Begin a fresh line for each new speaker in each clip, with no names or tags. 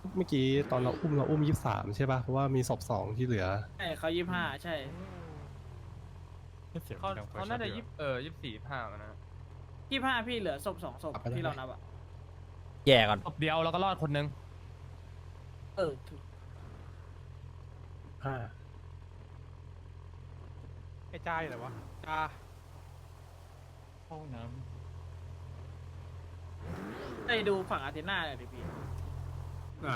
เมื่อกี้ตอนเราอุ้ม23ใช่ป่ะเพราะว่ามีศพ2ที่เหลือ
ใช่เขา25ใช่
เขาน่าจะ24 25มันนะ
25พี่เหลือศพ2 ศพที่เรานับอ่ะ
แย่ก่อน
ศพเดียวแล้วก็รอดคนนึง
ถูก
ห้า
ไอ้จ้าอยู่ไหนวะจ้า
ไปดูฝั่งอาร์เทน่าเลยดิพี่
ได้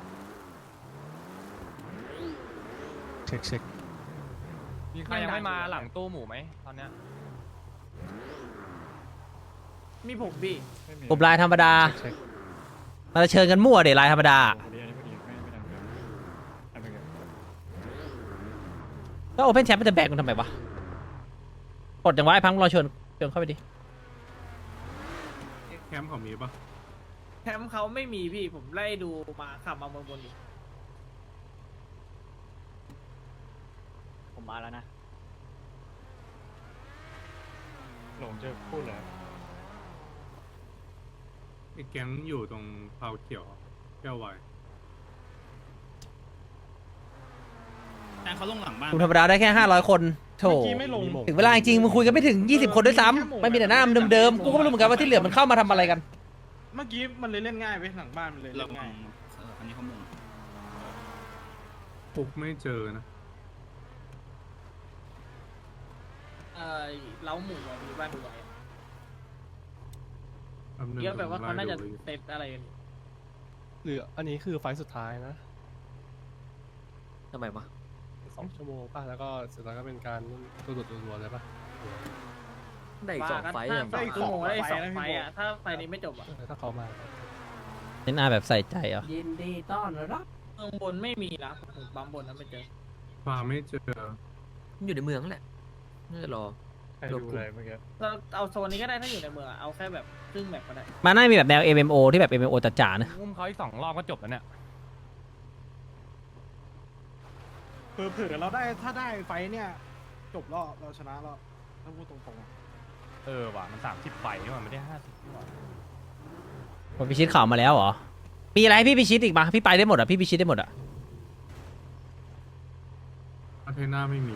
เช็ค
มีใครยังไม่มาหลังตู้หมูไหมตอนเนี้ย
มีผมพี่
กลุ่มลายธรรมดา
เช็ค
มาเชิญกันมั่วเดี๋ยวลายธรรมดาก็โอเพนแชมป์มันจะแบกมันทำไมวะกดจังหวะไอ้พังรอเชิญเข้าไปดิ
แคมป์ของมีปะ
แคมป์เขาไม่มีพี่ผมไล่ดูมาขับมาเมืองบนอยู่
ผมมาแล้วนะ
หลงจะพูดเลย
ไอ้แก๊งอยู่ตรงเผาเขียวแก้ววาย
แต่เขาลงหลังบ้าน
กลุ่มธรรมดาได้แค่500 คนโถ
เมื่อกี้ไม่ลง
ถึงเวลาจริงมึงคุยกันไม่ถึง20 คนด้วยซ้ำไม่มีแต่หน้าเดิมๆกูก็ไม่รู้เหมือนกันว่าที่เหลือมันเข้ามาทำอะไรกัน
เมื่อกี้มันเลยเล่นง่ายไปหลังบ้านมันเลย
เรา
เล่นง่าย
อันนี้เขามง
ปุ๊บไม่เจอนะ
เล้าหมูอะมีบ้านดูไว้
แป๊บนึง
เยอะแบบว่าเขาน่าจะ
ผมไล่ดู
เซตอะไรกันอยู่
เหลืออันนี้คือไฟล์สุดท้ายนะ
ทำไมวะ
2 ชั่วโมงป่ะแล้วก็เสร็จแล้วก็เป็นการตัวรัวๆเลยป่ะ
ได้อีก 2 ไฟต์
ถ้า
อย่าง
สองชั่วโมงได้อีก2 ไฟต์อ่ะถ้าไฟนี้ไม่จบอ่ะ
ถ้าเขามา
เน้นอาแบบใส่ใจเหรอ
ยินดีต้อนรับเมืองบนไม่มีนะผมปั๊มบนนั้นไม่เจอ
ฟาร์มไม่เจอ
อยู่ในเมืองแหละน่าจะรอ
ใครดูเลยเมื่อกี้
เราเอาโซนนี้ก็ได้ถ้าอยู่ในเมืองอะเอาแค่แบบครึ่งแบบก็ได้
มาน่ามีแบบแนว MMO ที่แบบ MMO จ๋าๆนะ
อุ้มเขาอีก2 รอบก็จบแล้วเนี่ย
เผื่อเราได้ถ้าได้ไฟเนี่ยจบแล้วเราชนะแล้วถ้าพูดตรงๆอะ
ว่ะมัน30 ใบนี่หว่าไม่ได้50นี่หว่า
ผมพิชิตข่าวมาแล้วเหรอมีอะไรให้พี่พิชิตอีกปะพี่ไปได้หมดอ่ะพี่พิชิตได้หมดอ่ะ
อาเทน่าไม่มี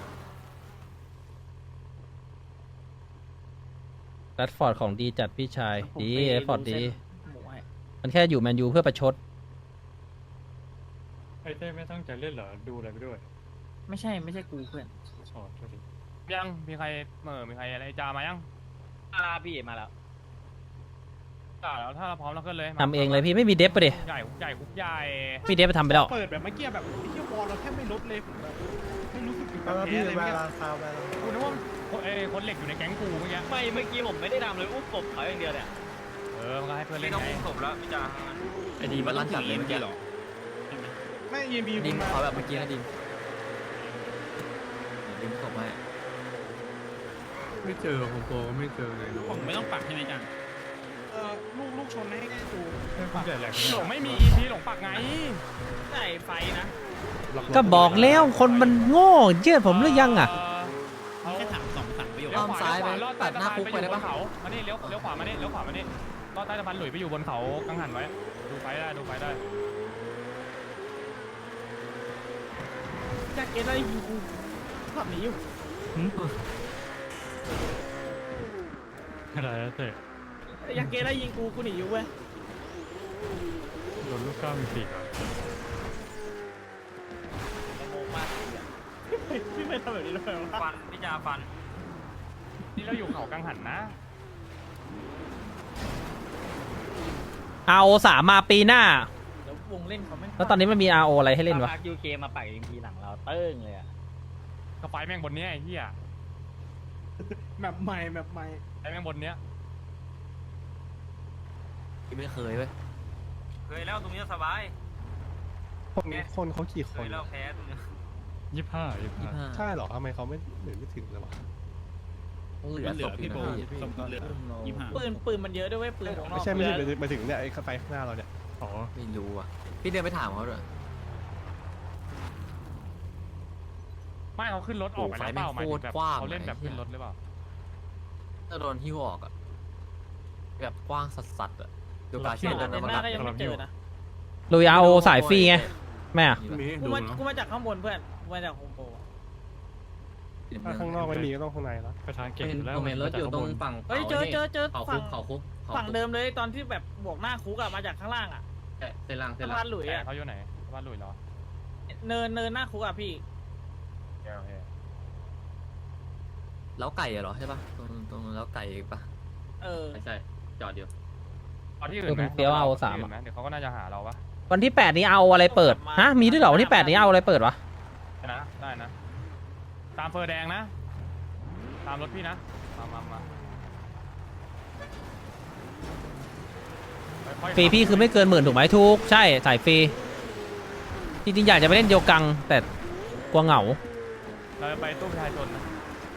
แรดฟอร์ดของดีจัดพี่ชาย
ผม
ดี
ไป
แรดฟอร์ดดี
เส้นหมูให้
มันแค่อยู่แมนยูเพื่อประชด
ไอ้เต้ไม่ตั้งใจเล่นเหรอดูอะไรไปด้วย
ไม่ใช่กูเพื่อน
ชอตก็ดิ
ยังมีใครมีใครอะไรจามายัง
พี่มาแล้ว
จ่าแล้วถ้าเราพร้อมเราขึ้นเลย
ทำเองเลยพี่ไม่มีเดฟปะดิ
ใหญ่ใหญ่คุกใหญ่
พี่เดฟไปทำไปแล้ว
เปิดแบบเมื่อกี้แบบไอ้เหี้ยวอลเราแทบไม่ลดเลยผมแบบไม่รู้สึกถึงการแพ้เลยเมื่อกี้
กูนึกว่าคนเหล็กอยู่ในแก๊งกูเมื่อกี้
ไม่เมื่อกี้ผมไม่ได้ทำเลยอุ้มกบเขาอย่างเดียวเนี่ย
มันก็ให้เพื่อนเล่นไง
ไอ้ดีมันลั่นจัดเลยเมื่อกี้หรอ
ไม่ยีบี
ดิม
มา
ขอแบบเมื่อกี้นะดิมดิมส่งมา
ไม่เจอโฮมโปรก็ไม่เจอเลยน้อ
ผ
ง
มไม่ต้องปักใช่ไหมจัง
ลูกชนให้ดู
หลงไม่มี EP หลงปักไง
ใช่ไฟนะ
ก็บอกแล้วคนมันโง่เชื่อผมหรือยังอ่ะ
มีแค่ถาม2-3ประโยค
เลี้ยวขวาลอดตัดหน้าคุกไปได้ปะเขามานี่เลี้ยวขวามานี่เลี้ยวขวามานี่ลอดใต้สะพานหลุยไปอยู่บนเขากังหันไว้ดูไฟได้
อยากเก็ตอะไรอยู่ขับหนีอยู่
อะไรเต้
อยากเก็ตอะไรยิงกูหนีอยู่เว้ย
โดนลูกก้าวมีปีก
โมมากพี่ไม่ทำแบบนี้เลย
ฟันพี่จาฟัน
นี่เราอยู่เขากังหันนะ
RO3 มาปีหน้า
เดี๋ยววงเล่นเขาไม่
แล้วตอนนี้มันมี RO อะไรให้เล่นวะ
พักยูเคมาปักอีกทีหลังเราเติ้งเลยอ่ะ
กระไฟแม่งบนเนี้ยไอ้เหี้ย
แบบใหม่แบบใหม่
ไอ้แม่งบนเนี้ย
ไม่เคยเว้ย
เคยแล้วตรงนี้สบาย
คนเขากี่ค
เคน ยแล้วแพ้ตรงนี้
ใช่เหรอทำไมเขาไม่ไม่ถึงเลยวะ
เหลือศพพี่โบ
เหลือ
ปืนมันเยอะด้วยเว้ยปืนของนอก
ไม่ใช่ไปถึงเนี่ยไอ้ไฟข้างหน้าเราเนี่ย
อ๋อ
ไม่รู้อ่ะพี่เดินไปถามเขาด้วย
ไม่เขาขึ้นรถออกไปแล้วเปล่าหมายถึงแบบ
โอ้ไฟแม่งโคตรกว้าง
เขาเล่นแบบขึ้นรถหรือเปล่า
ถ้าโดนหิ้วออกอ่ะแบบกว้างสัสๆอ่ะดูการ
เชื่
เชื่
อ
อ
เด
นั้น
น
นะ
หน้าก็ยังไม่เจอนะ
ลุยเอาสายฟรีไงแม่อะ
มี
กู
ดู
มา
เนาะ
กูมาจากข้างบนเพื่อนกูมาจากโฮมโปร
ถ้าข้างนอกไม่มีก็ต้องข้างในแล้ว
ไปทางเก่ง
เห็น
แล้ว
ผมเห็นรถอยู่ตรงฝั่ง
เฮ้ยเจอ
เขาคุ
ฝั่
ก
ง
เขาคุก
ฝั่งเดิมเลยตอนที่แบบบวกหน้าคุกอะมาจากข้างล่างอะ
เส้นล่างเส้
สะ
นล่า
พาง นหลุย
แต่
อะ
เขาอยู่ไหนบ้านหลุยเหรอ
เนินหน้าคุกอะพี่
โอเค
แล้วไก่เหรอใช่ปะตรงแล้วไก่ปะ
เออ
ใช่จอดอยู่
เอาที่อื่นไหม
เดี๋ยวเอาสาม
ที่นไหเดี๋ยวเขาก็น่าจะหาเราปะ
วันที่ 8 นี้เอาอะไรเปิดฮะมีด้วยเหรอวันที่ 8 นี้เอาอะไรเปิดวะ
นะได้นะ ตามเฟอร์แดงนะ ตามรถพี่นะมาค่อยๆ
ฟรีพี่คือไม่เกิน10,000ถูกไหมทุกใช่สายฟรีจริงๆอยากจะไปเล่นโยกังแต่กลัวเหงา
เราจะไปตู้ประชาชนนะ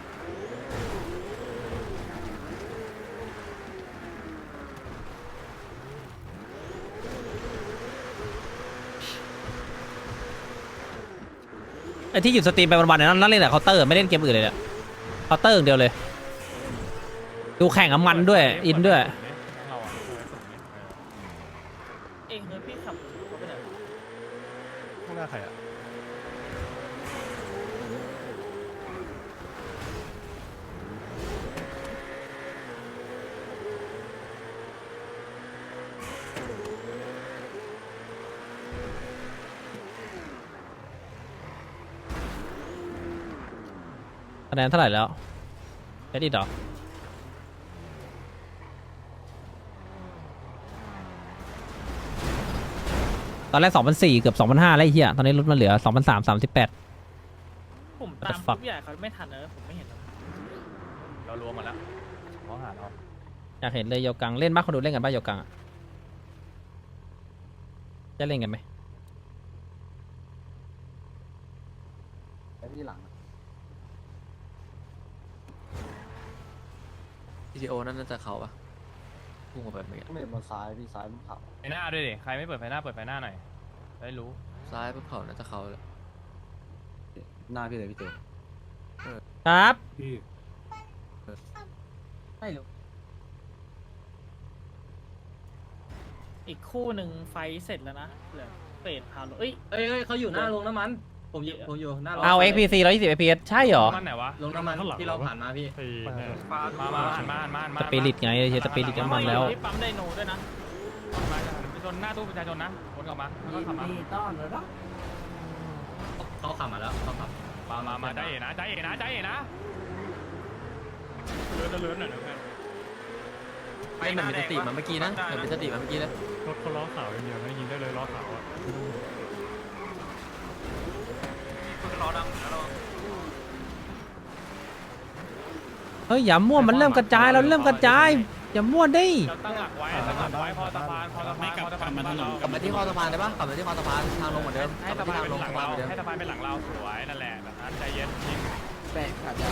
ไอ้ที่หยุดสตรีมไปวันๆเนี่ยนั่นเล่นแต่เคาน์เตอร์ไม่เล่นเกมอื่นเลยเนี่ยเคาน์เตอร์อย่างเดียวเลย ดูแข่งกับมันด้วยอินด้วย
เราอะ
เองเฮ้ยพี่ขับรถไปไหนวะ
ข้างหน้าใครอ่ะ
คะแนนเท่าไหร่แล้วแค่ดีดอกตอนแรก 2,400 เกือบ 2,500แล้วไอ้เหี้ยตอนนี้ลดมาเหลือ 2,338
ผมตาม
fuck
คุกใหญ่เขาไม่ทันเลยผมไม่เห็นเลย
เรารวมหมดแล้วเขาหาเรา
อยากเห็นเลยโยกังเล่นบ้างคนดูเล่นกันบ้างโยกังอะจะเล่นกันไหม
พีทีโอนั่นน่าจะเขาปะพุ่งออกไปเมื่อกี้
ไม่มาซ้ายพี่ซ้ายมันขับ
ไฟหน้าด้วยดิ ใครไม่เปิดไฟหน้าเปิดไฟหน้าหน่อย ได้รู้
ซ้ายปุ๊บเขาน่าจะเขาแล้ว
หน้าพี่เลยพี่เต๋อ
ครับ
พี่
ไม่รู้อีกคู่หนึ่งไฟเสร็จแล้วนะเหลือเฟดพาโลเอ้ย
เอ้ยเขาอยู่หน้าโรงน้ำมัน ผมอยู่หน้าโรง
เอา XPC 120 FPS ใช่เหรอ
มันไหนวะ
โรงน้ำมันที่เราผ่านมาพี่
มาหันมา
สปิริตไงใช้สปิริตน้ำมันแล้ว
ที่ปั๊มไดโนด้วยนะ
มาไปชนหน้าตู้ประชาชนนะวนกลับมาแล้วก็ขับมา
เขาขับมาแล้วเขาขับ
มาใจเอ๋นะใจเอ๋นะใจเอ๋นะเลื้อนหน่อยนะ
ไอ้มันมีสติมาเมื่อกี้นะมันมีสติมาเมื่อกี้นะ
รถเขาล้อขาวอย่างเดียวนะยิงได้เลยล้อขาวอ่ะ
รอดังแล้วเรา
เฮ้ยอย่ามั่วมันเริ่มกระจายเราเริ่มกระจายอย่ามั่วดิ
เราตั้งหลักไว้พอสะพานเรา
กลับมาที่คอสะพานได้ปะกลับมาที่คอสะพานทางลงเหมือนเดิมก
ให้
ลับ
สะ
มาที่
พาน
ทาง
เป็นหลังเรา
ลงสะพานเหมือนเดิม
ให้สะพานเป็นหลังเราสวยนั่นแหละแบบนั้นใจเย็นจริง
แปะขาดยาว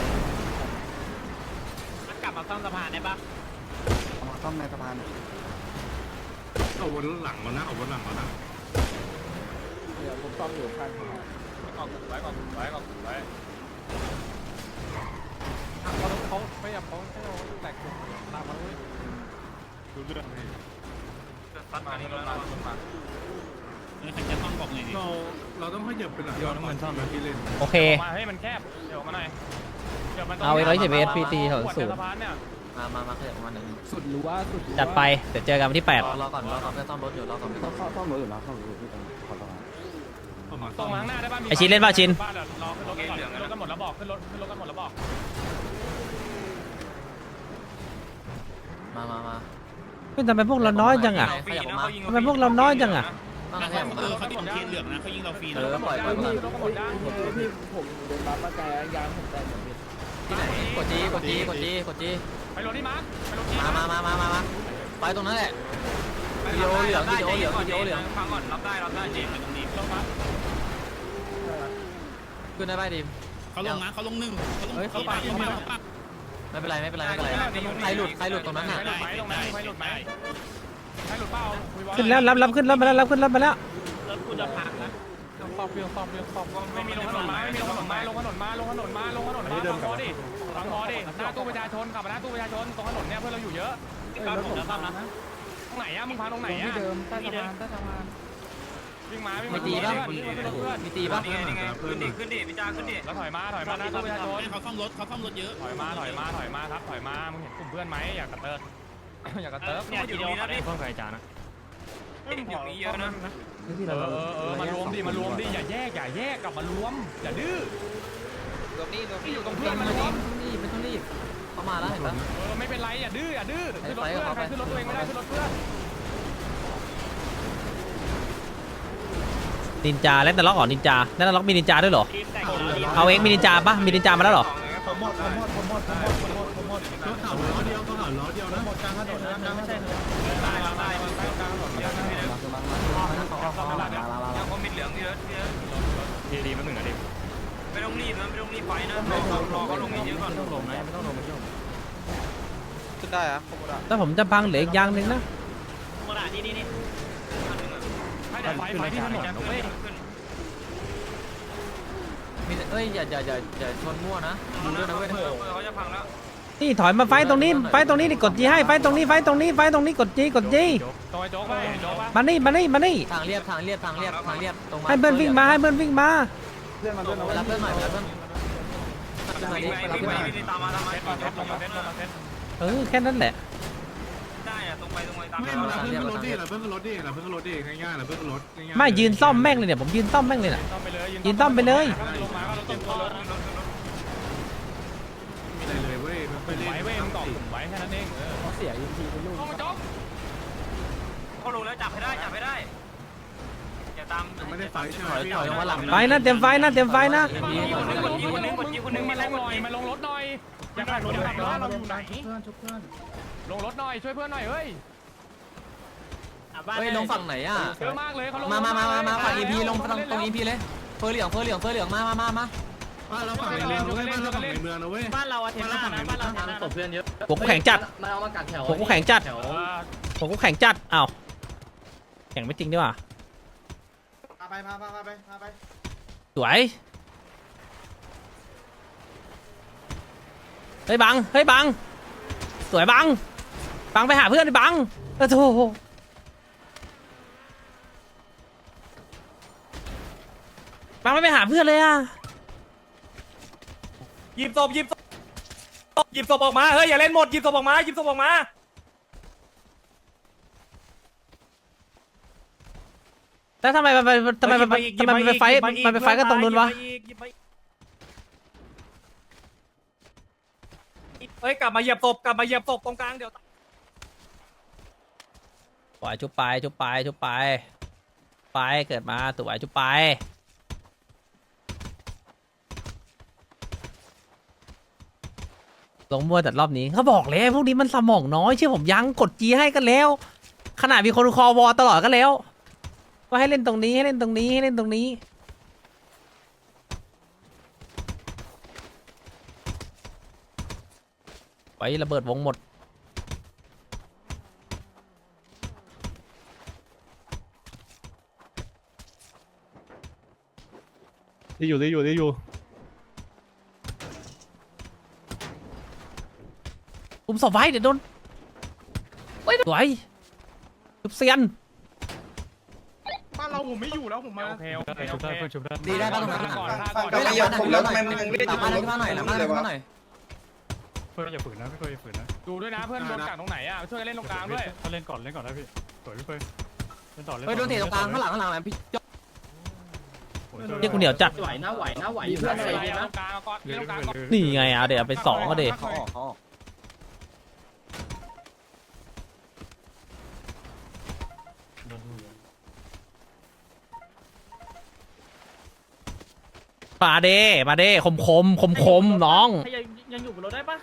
กลับมาซ่อมสะพานได้ปะ
เอามาซ่อมในสะพาน
เอาวนหลังแล้วนะเอาวนหลังแล้วนะ
เดี๋ยวผมซ่อมอยู่ข้างทาง
ก่อนไว้เขาไม่อยากเขาให้เราแตกตามมาเลยดูเรื่องนี่
ซัดมานี่แล้วเรา
เราต้องขยับไปหลังย้อนน้ำมันซ่อมนะพี่เล่น
โอเค
มาให้มันแคบเดี๋ยวมาหน่อย
เอาไว้120 FPS
เนี่ย
มาขยับประมาณหนึ่ง
สุดรู้ว่าสุด
จัดไปเดี๋ยวเจอกันวันที่
รอก่อนไปซ่อมรถอยู่รอก่อนไปซ่อม
ซ่อมรถอยู่นะซ่อมรถอยู่ที่ตรงขอสะพาน
ตรงข้างหน้าได้ป่ะ
ไอชินเล่นป่ะชิน
บ้านรอขึ้นรถก่อนขึ้นรถกันหมดแล้วบอกขึ้นรถกันหมดแล้วบอก
มา
เฮ้ยทำไมพวกเราน้อยจังอ่ะ ทำไมพวกเราน้อยจังอะ
ต้องขยับมา
เขาติดเทียนเหลืองนะเขายิงเราฟรีนะ
ปล่อย
พี่ผมเดินมาป้าแกยางผมแตกหมดเลย
ที่ไหนกดจี
ไปรถที่มาร์คไปรถที่
มาไปตรงนั้นแหละวิดีโอเหลือง
ฟังก่อนรับได้เจมส์ตรงนี้
ลงมา
ขึ้นได้ป่ะดิม
เขาลงนะเขาลงหนึ่ง
เฮ้ยเขาปักไม่เป็นไรใครหลุดตรงนั้นน่ะ
ไฟหลุดไหมไฟหลุดเปล่า
ขึ้นแล้วรับขึ้นรถมาแล้วรับขึ้นรถมาแล้ว
รถกูจะพังนะ
ไม่มีลงถนนมาลงถนนมาฟังพอดิหน้าตู้ประชาชนขับมาหน้าตู้ประชาชนตรงถนนเนี่ยเพื่อนเราอยู่เยอะ
รถผมจะซ่อมนะ
ตรงไหนอะมึงพาตรงไหนอะ
ที่เดิมใต้สะพาน
ตวิ่งมาวิ่ง
ไม่
มา
ตีป่ะ
เพื่อน
มีตีป่ะ
นี่ไงขึ้นดิขึ้นดิพี่จ้าขึ้นดิ
แล้วถอยมาหน้าตู้ประชาชน
เขาซ่อมรถเยอะ
ถอยมาครับถอยมามึงเห็นกลุ่มเพื่อนไหมอยากกระเติร์อยากกระเติร์
เนี่ยอยู่ตรงนี้นะพี่
เพิ่มใครจานะ
อยู่นี้เยอะนะ
มารวมดิอย่าแยกกลับมารวมอย่าดื้อที่อยู่ตรงเพื่อนมารวม
ไม่ต้องรีบเขามาแล้วเห็นปะ
ไม่เป็นไรอย่าดื้อขึ้นรถเพื่อนใครขึ้นรถตัวเองไม่ได้ขึ้นรถเพื่อน
นินจาแล้วแต่ล็อกเหรอนินจาแล้วแต่ล็อกมีนินจาด้วยเหรอเอาเองมีนินจาปะมีนินจามาแล้วเหรอ
ผมหมด
ก็ข่าวล้อเดียวก็ข่าวล้อเดียวนะ
หมดกลางถนนนะกลางถนนนะ
ได้ยังคอมมิตเหลืองเยอะ
ดีมันหนึ่งนะดิ
ไม่ต้องรีบนะไม่ต้องรีบไปนะรอเขาลงเยอะก่อน
ไม่ต้องลงนะไม่ต้องลงไม่ต้อง
ขึ้นได้อะคอมมิต
แต่ผมจะพังเหลืออีกอย่างหนึ่งนะ
โมดานี่
ให้แต่ไฟที่ถนนนะเว้ย
มีเอ้ยอย่าชนมั่วนะดูด้วยนะเว้ย
เขาจะพังแล้ว
นี่ถอยมาไฟตรงนี้นี่กดจีให้ไฟตรงนี้กดจี
โจ๊กไปโจ๊กป่ะ
มานี่
ทางเรียบตรง
ให้เพื่อนวิ่งมา
เพื่อนมาด้วยนะ
รับเพื่อนหน่อยรับเพื่อนขึ้นมาดิ
ไปตามมา
ลงมาเซ็ต
แค่นั้นแหละ
ได้อะตรงไปตาม
ไม่เราเพิ่งขึ้นรถดิง่ายๆเราเพิ่งขึ้นรถง่ายๆ
ไม่ยืนซ่อมแม่งเลยเนี่ยผมยืนซ่อมแม่งเลยน่ะ
ต้อมไปเลย
ยืนต้อมไปเลย
ลงมาก็เราต้มตัว
อะไรเลยเว้ยไม่เล่น
ไว้เว้ยมึงตอกกลุ่มไว้แค่นั้นเอง
เขาเสียยิงทีเป็นลูก
ต้องโจ๊ก
เขาลงแล้วจับให้ได้อย่าตาม
ไม่ได้ไฟใช่ไหม
ถอยลงมาหลัง
ไฟนะเต็มไฟนะ
มึงมาลงรถหน่อยอย่าขับรถเราอยู่ไหนลงรถหน่อยช่วยเพื่อนหน่อยเฮ้ย
เฮ้ยลงฝั่งไหนอ่ะ
เยอะมากเลยเขาลง
มาฝั่ง EP ลงตรง EP เลยเฟอร์เหลืองมา
บ้านเราฝั่งในเมืองนะเว้ยบ้านเราฝั่งในเมืองนะเว้ย
บ้านเราอะเทน่านะบ้านเราเทน่า
ตบเพื่อนเยอะ
หัวกูแข็งจัด
มันเอามากัดแถว
หัวกูแข็งจัดอ้าวแข็งไม่จริงดีกว่า
พาไป
สวยเฮ้ยบังสวยบังไปหาเพื่อนดิบังโธ่บังไม่ไปหาเพื่อนเลยอ่ะ
หยิบศพออกมาเฮ้ยอย่าเล่นหมดหยิบศพออกมา
แล้วทำไมมันไปไฟกันตรงนู้นวะ
เฮ้ยกลับมาเหยียบศพตรงกลางเดี๋ยว
ปล่อยชุบไปเกิดมาตัวไหวชุบไปลงมั่วแต่รอบนี้เขาบอกแล้วพวกนี้มันสมองน้อยเชื่อผมยังกดจีให้กันแล้ว ขนาดมีคนคอวอตลอดก็แล้วว่าให้เล่นตรงนี้ไว้ระเบิดวงหมด
ได้อยู่
อุ้มศพไว้เดี๋ยวโดนสวยชุบเซียน
บ้านเราผมไม่อยู่แล้วผมมา
โอเคชุบได้
ดีได้ป่ะตรงนั้น
ก่อน
เฮ้ยหลังบ้านผมแล้วทำไมมึงยังไม่ได้หลังบ้านขึ้นมาหน่อยหน่อย
เพื่อนอย่าฝืนนะพี่เพื่อนอย่าฝืนนะดูด้วยนะเพื่อนโดนกักตรงไหไหนอ่ะช่วยกันเล่นตรงกลางด้วยเล่นก่อนนะพี่สวยพี่เพื่อนเล่นต่อ
เฮ้ยโดนเตะตรงกลางข้างหลังพี่
เรียกกูเหนียวจัด
ไหวนะ
มีเพื่อน
เล่
อะไร
น
นะ
ตรงกลางก่อนเล่นตรงกลางก่อน
นี่ไงเอาเดี๋ยวไป2ก็เดี๋ยว
เขาออก
มาเด้คมน้อง
ยังอยู่บนรถได้ปะ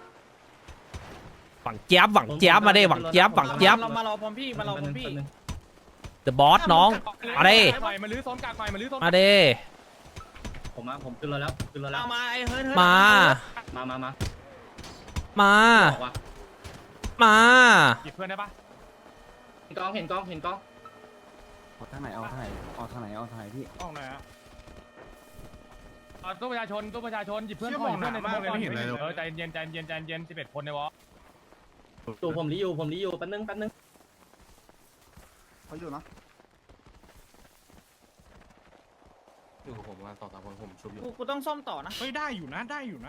หวังเจี๊ยบมาเด้หวังเจี๊ยบ
เรามารอพร้อมพี่
The Boss น้องมาเด้
มาลื้อโซนกลางหน่อยมาลื้อโซน
มาเด้
ผมขึ้นรถแล้ว
มาไอ้เฮ้ย
มา
หยิบเพื่อนได้ปะ
เห็นกล้อง
ทางไหนพี่
ออกหน่อยฮะตู้ประชาชนหยิบเพื่อนก่อนใจเย็น11 คนในวอ
ผมรีอยู่แป๊บนึง
เขาอยู่นะ
อยู่ผมมา2-3คนผมชุบอยู่
กูต้องซ่อมต่อนะ
เฮ้ยได้อยู่นะได้อยู่นะ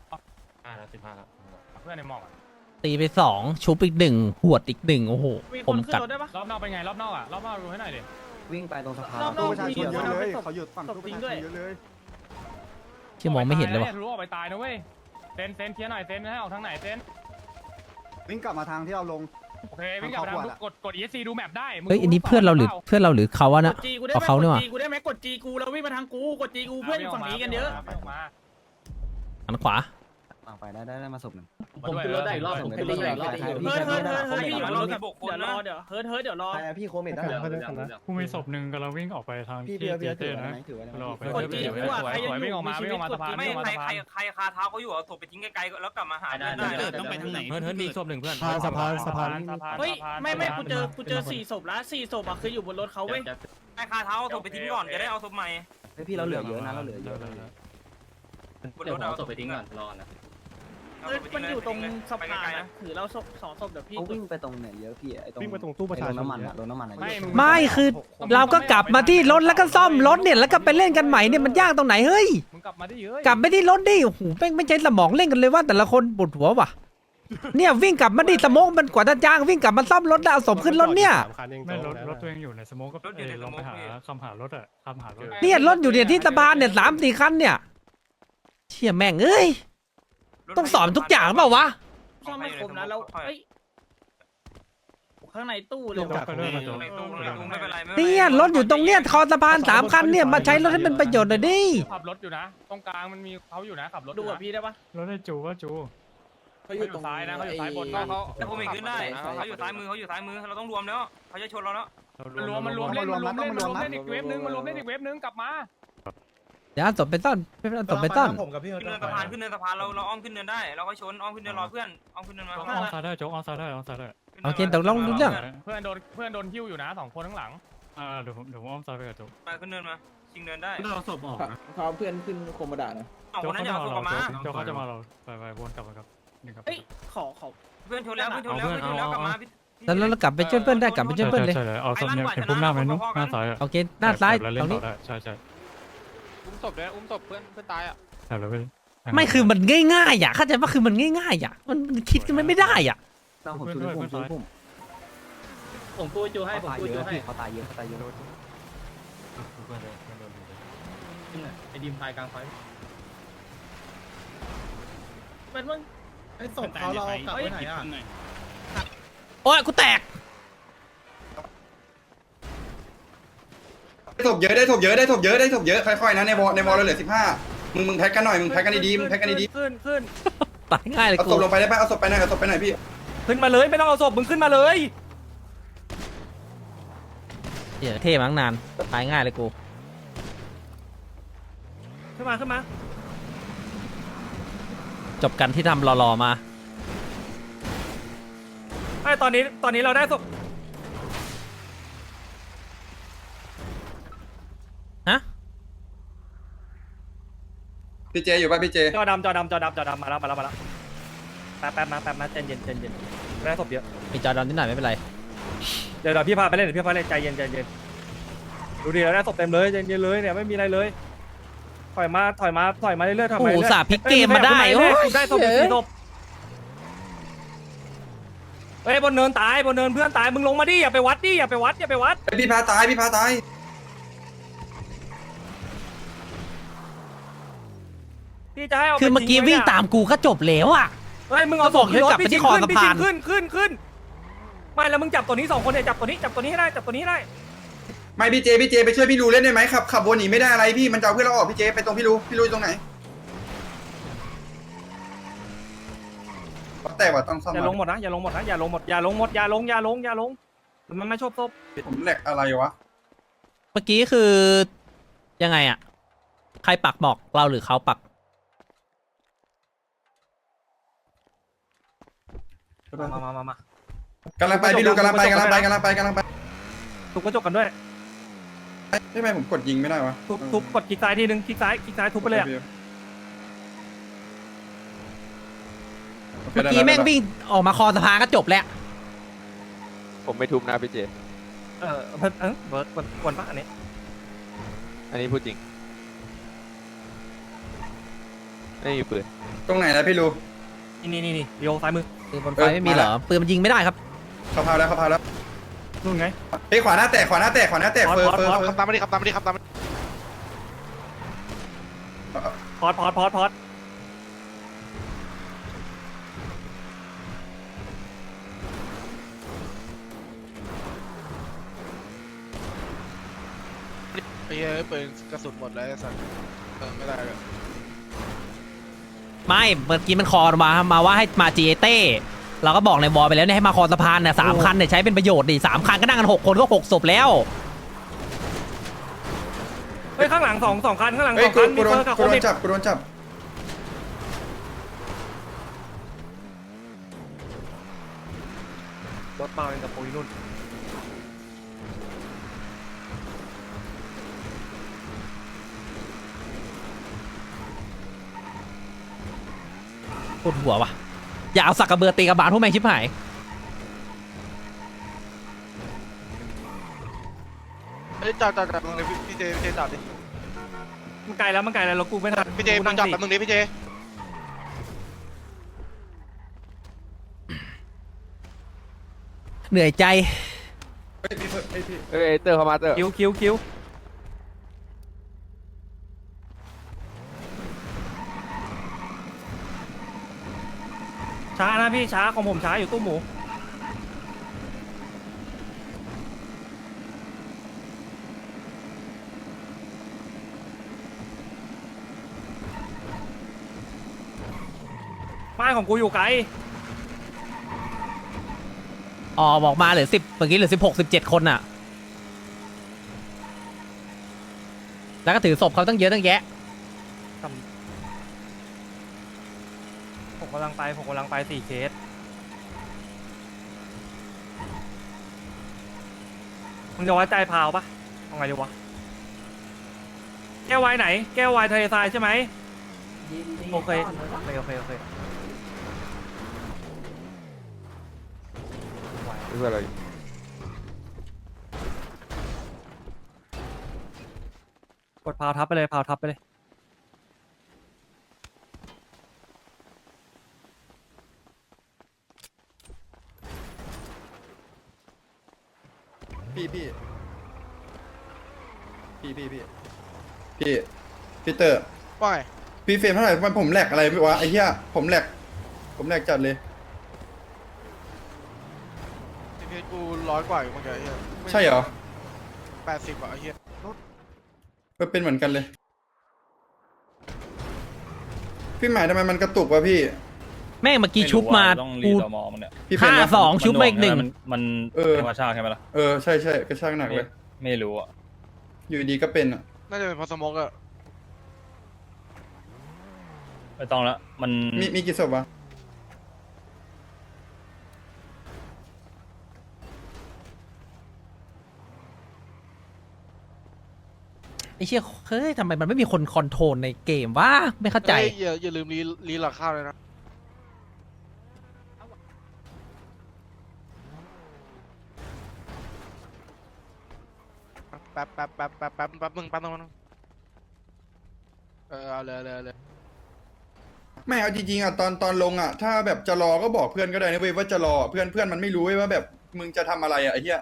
5แล้ว15แล้ว
เพื่อนในหมอกอะ
ตีไป2ชุบอีก1หวดอีก1โอ้โห
มี
ผ
ค
ม
นขึ้น
กัด
รถได้ปะ
รอบนอกเป็นไงรอบนอกอะรอบนอกดูให้หน่อยดิ
วิ่งไปตรงสะพาน
รอบนอกมีคนเอาไปตบ
เขาหยุดฝั่ง
ตบทิ้งด้วย
ที่มองไม่เห็นเลยว่ะ
รู้ออกไปตายนะเว้ยเซนเคลียร์หน่อยเซนให้ออกทางไหนเซน
วิ่งกลับมาทางที่เราลง
โอเควิ่งกลับไปทางกด ESC ดูแมปได้มึง
เฮ้ยอันนี้เพื่อนเราหรือเพื่อนเราหรือเขาวะ
ก
นะ
ดจีกูได้
เอา
ไหม
เขาเนี่ย
ก
ว่ะ
ดจีกูได้ไหมกดจีกูแล้ววิ่งมาทางกูกดจีกูเพื่อนอยู่ฝั่งนี้กันเยอะ
ไม่ออกมา
หันขวา
ไปได้มาศพหนึ่ง
ผมขึ้นรถได้อีกรอบผมขึ้นรถได้อีกรอบ
เฮ้ยพี่อยู่รถกับเดี๋ยวรอเดี๋ยวเดี๋ยวรอ
พี่โคเมดได้
กูมีศพหนึ่งกำลังวิ่งออกไปทาง
พี่
ที่
เบียร์
เจ
ถือ
เต้
ไว้
นะ
ไหมถือไว้ไหม
รอไป
กดจีกูอ่ะใครยังอยู่มีชีวิตกดจี
ไม่ใครคาเท้าเขาอยู่เอาศพไปทิ้งไกลๆแล้วกลับมาหาได้
ต้องไปทางไหนเฮิร์นมีศพหนึ่งเพื่อน
สะพาน
เฮ้ยไม่กูเจอ4ศพแล้ว4ศพอ่ะคืออยู่บนรถเขาเว้ย
ใครคาเท้าเอาศพไปทิ้งก่อนจะได้เอาศพใหม่
พี่เราเหลือเยอะนะเราเหลือเยอะ
บนรถเอาศพไปทิ้งก่อนรอนะ
มันอยู่ตรงสะพานนะถือเราศพ2ศพเดี๋ยวพี่
เขาวิ่งไปตรงไหนเยอะพี่ไอ้ตรง
วิ่งไปตรงตู้ประชาชน
น้ำมันอะรถน้ำมัน
ไม่คือเราก็กลับมาที่รถแล้วก็ซ่อมรถเนี่ยแล้วก็ไปเล่นกันใหม่เนี่ยมันยากตรงไหนเฮ้ย
มึงกลับมาได้เยอะ
กลับไปที่รถดิโอ้โหแม่งไม่ใช่สมองเล่นกันเลยว่าแต่ละคนปวดหัวว่ะเนี่ยวิ่งกลับมาดิสโมองมันกว่าจะจ้างวิ่งกลับมาซ่อมรถแล้วเอาศพขึ้นรถเนี่ย
ไม่รถตัวเองอยู่ในสโมกก็ลองไปหาคำหารถอะคำหารถ
เนี่ยรถอยู่เนี่ยที่สะพานเนี่ย3-4คันเนี่ยเชี่ยแม่งเอ้ยต้องสอนทุกอย่างเปล่าวะ
ซ่อมไม่ครบนะแล้วเฮ้ยข้างในตู้เลย
ไปเรื่อยมาจบ
ในตู้ไม่เป็นไรไม่
เนี่ยรถอยู่ตรงเนี้ยคอสะพาน3คันเนี่ยมาใช้รถให้เป็นประโยชน์หน่อยดิ
ขับรถอยู่นะตรงกลางมันมีเขาอยู่นะขับรถ
ดูกับพี่ได้ปะ
รถได้จูว่าจู
เขาอยู่ซ้ายนะเขาอยู่ซ้ายบนเขา
แต่ผมอีกขึ้นได้เขาอยู่ซ้ายมือเราต้องรวมแล้วเขาจะชนเราแล้ว
มันรวมเล่นอีกเวฟนึงมันรวมเล่นอีกเวฟนึงกลับมา
เดี๋ยวเอาศพไปซ่อนเอาศพไปซ่อน
ขึ้นเนินสะพานเราอ้อมขึ้นเนินได้เราก็ชนอ้อมขึ้นเนินรอเพื่อนอ้อมขึ้นเนินมา
ออนซ้ายได้โจ๊กออนซ้ายได้ออนซ้ายได้
โอเคตกลงรู้เรื่อง
เพื่อนโดนหิ้วอยู่นะ2คนข้างหลัง
เดี๋ยวผมอ้อมซ้ายไปกับโจ๊ก
มาขึ้นเนินมาชิงเนินได้
เราศพออกนะ
เขาเพื่อนขึ้นโคมดานะ
2
โจ๊
ค
ก
นนั้น
เขา
อย่า
จะ
เอา
มา
ศพ
เรา
มา
โจ๊กเขาจะมาเราไปวนกลับมาครับนี่ครับ
เฮ้ยขอ
เพื่อนชนแล้วกลับมา
แล้วเรากลับไปช่วยเพื่อนได้กลับไปช่วยเพื่อนเลย
ใช่เลยเอาศพเนี่ยเห็นปุ๊บหน้าไหมนุ๊กหน้าซ้ายอะ
โอเคหน้าซ้าย
เล่
ต
น
รง
ต่
นี้
อได้ใช่
อุ้มศพด้วยอุ้มศพเพื่อนตายอ่ะ
แต่เราไป
ไม่คือมันง่ายๆอ่ะเข้าใจว่าคือมันง่ายๆอ่ะมันคิดกันไม่ได้อ่ะ
ต้องผมช่วยผม
ผมพูดจูให้ผมพูดจูให้
เขาตายเยอะ
ไอ้ดิมตายกลางไฟเป็นมึง
ไอ้ศพเขาเรากลับไปไหนอ่ะ
โอ้ยกูแตก
ได้ศพเยอะค่อยๆนะในวอลเราเหลือ15มึงแพ็กกันหน่อยมึงแพ็กกันดีๆ
ขึ้น
ตายง่ายเลย
เอา
กู
ศพลงไปได้ป่ะเอาศพไปหน่อยพี่
ขึ้นมาเลยไม่ต้องเอาศพมึงขึ้นมาเลย
เดี๋ยวเท่มั้งนานตายง่ายเลยกู
ขึ้นมา
จบกันที่ทำรอๆมา
ไอ้ตอนนี้เราได้ศพ
ฮะ
พี่เจอยู่ป่ะพี่เจ
จอดำมาแล้วแป๊บมาใจเย็นได้ศพเยอะ
มีจอดอนนิดหน่อยไม่เป็นไร
เดี๋ยวพี่พาไปเล่นใจเย็นดูดิเราได้ศพเต็มเลยใจเย็นเลยเนี่ยไม่มีอะไรเลยถอยมาเรื่อยๆ
โอ้โหสาพลิกเกมมาได้โอ้ย
ได้ศพ4ศพเฮ้ยบนเนินเพื่อนตายมึงลงมาดิอย่าไปวัด
พี่พาตาย
พี่จะให้เอา
คือเมื่อกี้วิ่งตามกูก็จบแล้วอ่ะ
เฮ้ยมึงเอาศพ
ก็บอกให้กลับไปที่คอสะพาน
ขึ้นไม่แล้วมึงจับตัวนี้2คนเนี่ยจับตัวนี้ให้ได้
ไม่พี่เจไปช่วยพี่รูเล่นได้ไหมขับวนหนีไม่ได้อะไรพี่มันจะเอาเพื่อนเราออกพี่เจไปตรงพี่รูตรงไหนแต่ว่าต้องซ่อม
อย่าลงหมดนะอย่าลงหมดมันไม่ชอบศพ
ผมแหลกอะไรวะ
เมื่อกี้คือยังไงอ่ะใครปักหมอกเราหรือเขาปัก
มาก
ำลังไปพี่รูกำลังไป
ทุบกระจกกันด้วย
ทำไมผมกดยิงไม่ได้วะ
ทุบกดคลิกซ้ายทีนึงคลิกซ้ายทุบไปเลย
เมื่อกี้แม่งวิ่งออกมาคอสะพานก็จบแล้ว
ผมไม่ทุบนะพี่เจ
เบิร์ดปะอันนี้
อันนี้พูดจริงไม่มีปืน
ตรงไหนแล้วพี่รู้
นี่เดียวซ้ายมือ
ปืนบนไฟไม่มีเหรอปืนมันยิงไม่ได้ครับ
เขาพาแล้วเขาพาแล้ว
นู่นไง
เฮ้ยขวาหน้าแตกขวาหน้าแตกขวาหน้าแตกเฟอร์เฟอร์
ขับตามมาดิขับตามมาดิขับตามมาดิ
พอด
ไอ้เหี้ยปืนกระสุนหมดแล้วไอ้สัตว์ไม่ได้เลย
ไม่เมื่อกี้มันคอมาว่าให้มาจีเต้เราก็บอกในวอลไปแล้วเนี่ยให้มาคอสะพานเนี่ย3 คันเนี่ยใช้เป็นประโยชน์ดิ3 คันก็นั่งกัน6 คนก็6 ศพแล้ว
เฮ้ยข้างหลังสองคันข้างหลัง
เฮ้
ส
ย
อง
กู
คันมี
โด
เฟิ
น
ร์สกับ
กู
โค
โด
วิ
น
ด
จับกูโดนจับ
รถมาเป็นกับโพลินุ่น
ปวดหัววะอย่าเอาสักกระเบือตีกระบาลพวกแม่งชิบหาย
เฮ้ยจอดตรงนี้พี่เจจอดดิ
มันไกลแล้วรถกูไม่ทัน
พี่เจมึงจอดแป๊บนึงดิพี่เจ
เหนื่อยใจ
เฮ้ยพี่เฮ้ยพี่
เอ้ยเตอร์เข้ามาเตอร์
คิวช้านะพี่ช้าของผมช้าอยู่ตู้หมูไม่ของกูอยู่ไกล
บอกมาเหลือ10เมื่อกี้เหลือ16 17 คนน่ะแล้วก็ถือศพเขาตั้งเยอะตั้งแยะ
ผมกำลังไป4 เคสมึงจะไว้ใจพาวปะเอาไงดีวะแก้ววายไหนแก้ววายทะเลทรายใช่ไหมโอเค
นี่คืออะไร
กดพาวทับไปเลย
พี่เตอร์
ว่าไง
พี่เฟรมเท่าไหร่มันผมแหลกอะไรไม่วะไอ้เหี้ยผมแหลกจัดเลย
พี่กู100 กว่าอยู่เมื่อกี้ไอ้เหี้ย
ใช่เหรอ
80 กว่าไอ้เหี้ย
เป็นเหมือนกันเลย พี่หมายทำไมมันกระตุกวะพี่
แม่งเมื่อกี้ชุบมากู
พี่เฟรม
5-2 ชุบมาอีก1
มัน
เออ
ธรรมชาติใช่ไหมล่ะ
ใช่กระชากหนักเลย
ไม่รู้อ่ะ
อยู่ดีก็เป็นอ่ะ
น่าจะเป็นเพอสโมกอะ
ไม่ต้องละมัน
มีกี่ศพวะ
ไอ้เชี่ยเฮ้ยทำไมมันไม่มีคนคอนโทรลในเกมวะไม่เข้าใจ
เฮ้ยอย่าลืมรีหลักข้าวเลยนะแป๊บนึงเอาเลย
ไม่เอาจริงๆอ่ะตอนลงอ่ะถ้าแบบจะรอก็บอกเพื่อนก็ได้นะเว้ยว่าจะรอเพื่อนมันไม่รู้เว้ยว่าแบบมึงจะทำอะไรอ่ะไอ้เหี้ย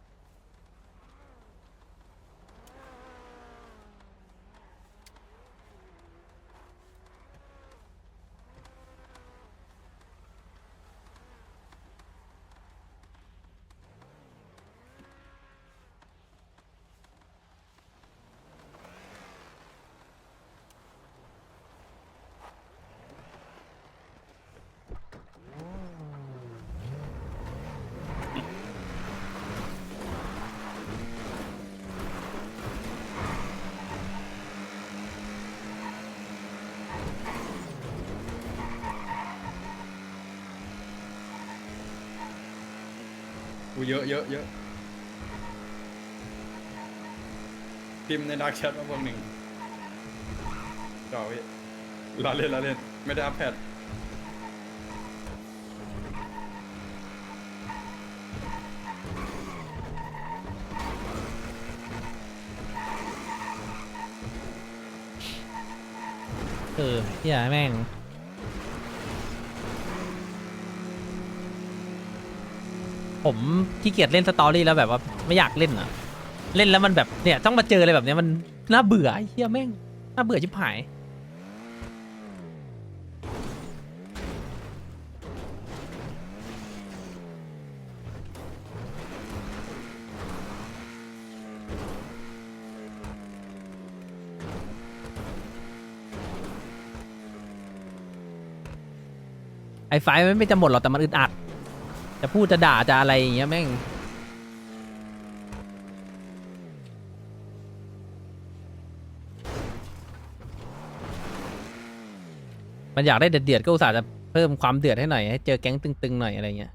กูเยอะพิมพ์ในดาร์กแชทมาพวกหนึ่งจ่อพี่ล้อเล่นไม่ได้อัพแพด
เฮียแม่งผมขี้เกียจเล่นสตอรี่แล้วแบบว่าไม่อยากเล่นอ่ะเล่นแล้วมันแบบเนี่ยต้องมาเจออะไรแบบเนี้ยมันน่าเบื่อไอ้เฮียแม่งน่าเบื่อชิบหาย ไอ้ไฟมันไม่จะหมดหรอกแต่มันอึดอัดจะพูดจะด่าจะอะไรอย่างเงี้ยแม่งมันอยากได้เดือดๆก็อุตส่าห์จะเพิ่มความเดือดให้หน่อยให้เจอแก๊งตึงๆหน่อยอะไรเงี้ย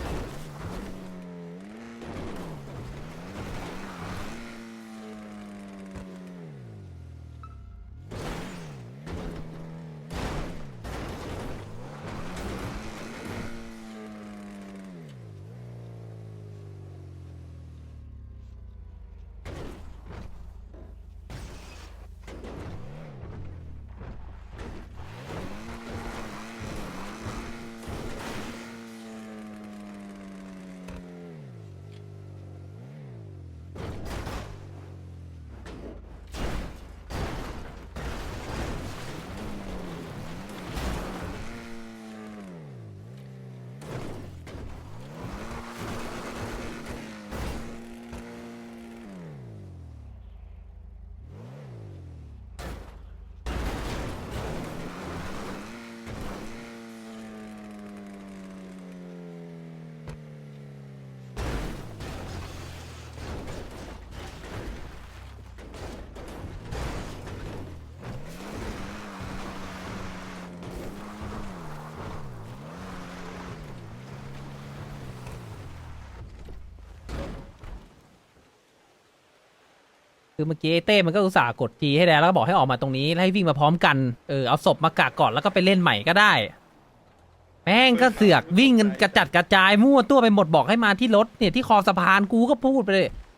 คือเมื่อกี้ไอ้เต้มันก็อุตส่าห์กดจีให้แล้วก็บอกให้ออกมาตรงนี้แล้วให้วิ่งมาพร้อมกันเอาศพมากากก่อนแล้วก็ไปเล่นใหม่ก็ได้แม่งก็เสือกวิ่งกันกระจัดกระจายมั่วตัวไปหมดบอกให้มาที่รถเนี่ยที่คอสะพานกูก็พูดไปเลย